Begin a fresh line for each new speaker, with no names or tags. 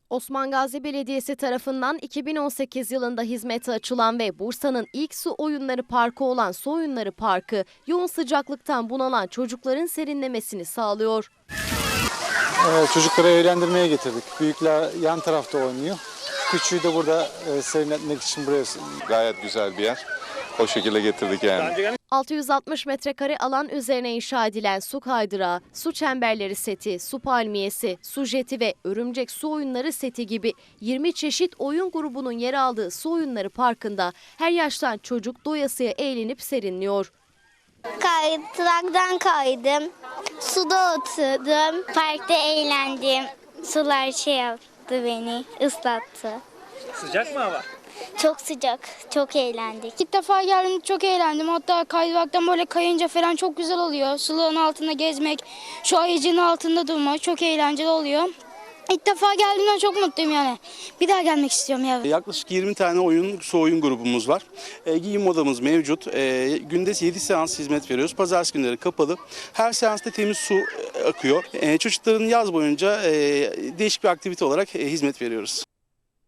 Osman Gazi Belediyesi tarafından 2018 yılında hizmete açılan ve Bursa'nın ilk su oyunları parkı olan Su Oyunları Parkı, yoğun sıcaklıktan bunalan çocukların serinlemesini sağlıyor.
Çocukları eğlendirmeye getirdik. Büyükler yan tarafta oynuyor. Küçüğü de burada serinletmek için buraya.
Gayet güzel bir yer. O şekilde getirdik yani.
660 metrekare alan üzerine inşa edilen su kaydırağı, su çemberleri seti, su palmiyesi, su jeti ve örümcek su oyunları seti gibi 20 çeşit oyun grubunun yer aldığı Su Oyunları Parkı'nda her yaştan çocuk doyasıya eğlenip serinliyor.
Kaydıraktan kaydım, suda oturdum, parkta eğlendim. Sular yaptı beni, ıslattı.
Sıcak mı hava?
Çok sıcak, çok eğlendik.
İlk defa geldim, çok eğlendim. Hatta kaydıraktan böyle kayınca falan çok güzel oluyor. Sulağın altında gezmek, şu ayıcının altında durmak çok eğlenceli oluyor. İlk defa geldiğimden çok mutluyum yani. Bir daha gelmek istiyorum ya.
Yaklaşık 20 tane su oyun grubumuz var. Giyim odamız mevcut. Günde 7 seans hizmet veriyoruz. Pazartesi günleri kapalı. Her seansta temiz su akıyor. Çocukların yaz boyunca değişik bir aktivite olarak hizmet veriyoruz.